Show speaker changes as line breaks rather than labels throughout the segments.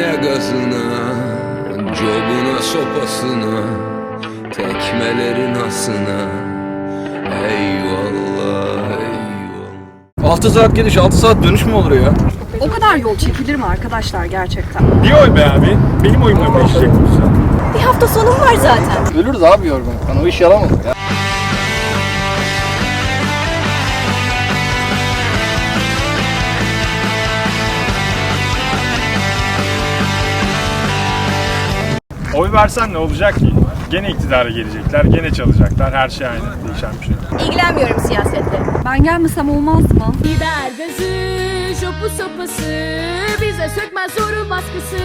Dünya gazına, cobuna sopasına, tekmelerin asına. Eyvallah, eyvallah.
6 saat gidiş, 6 saat dönüş mü olur ya?
O kadar yol çekilir mi arkadaşlar gerçekten?
Bir oy be abi. Benim oyumla değişecek bu.
Bir hafta sonum var zaten.
Ölürüz abi yorgunluktan, o iş yaramadık ya.
Oy versen ne olacak ki? Gene iktidara gelecekler, gene çalacaklar. Her şey aynı. Değişen bir şey yok.
İlgilenmiyorum siyasetle. Ben gelmesem olmaz mı?
Biber gazı, şopu sopası, bize sökmez zorun baskısı.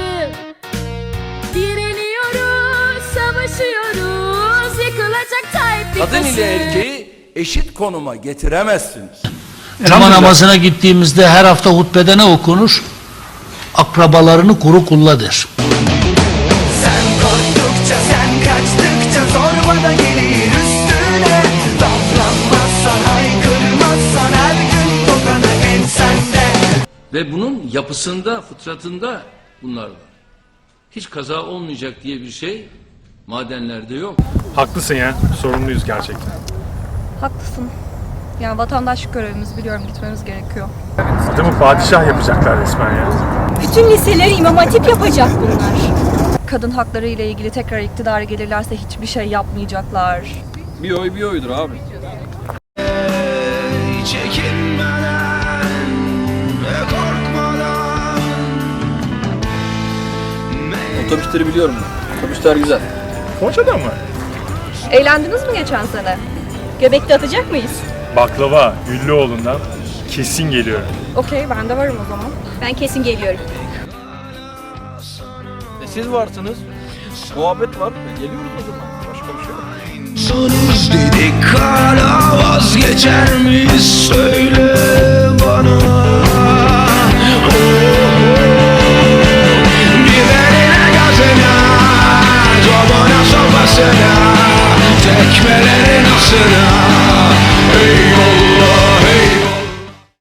Direniyoruz, savaşıyoruz, yıkılacak Tayyip bir
Kadın ile erkeği eşit konuma getiremezsiniz.
Cuma namazına gittiğimizde her hafta hutbede ne okunur? Akrabalarını koru kulla der.
Sen korktukça, sen kaçtıkça zorba da gelir üstüne. Laflanmazsan, haykırmazsan her gün tokanı ensende.
Ve bunun yapısında, fıtratında bunlar var. Hiç kaza olmayacak diye bir şey madenlerde yok.
Haklısın ya. Sorumluyuz gerçekten.
Haklısın. Yani vatandaşlık görevimiz, biliyorum, gitmemiz gerekiyor.
Adamı padişah yapacaklar resmen ya.
Bütün liseleri İmam Hatip yapacak bunlar. Kadın hakları ile ilgili tekrar iktidara gelirlerse hiçbir şey yapmayacaklar.
Bir oy bir oydur abi.
Çekinmeden ve korkmadan.
Otobüsleri biliyorum ben. Otobüsler güzel.
Foça'da mı?
Eğlendiniz mi geçen sene? Göbekte atacak mıyız?
Baklava, Güllüoğlu'ndan kesin geliyorum.
Okey, ben de varım o zaman. Ben kesin geliyorum.
Siz varsınız. Muhabbet var. Geliyoruz o zaman. Başka bir şey yok.
Sonuz dedik hala vazgeçer miyiz söyle bana. Biberine gazına, cobana sopasına, tekmelerin asına.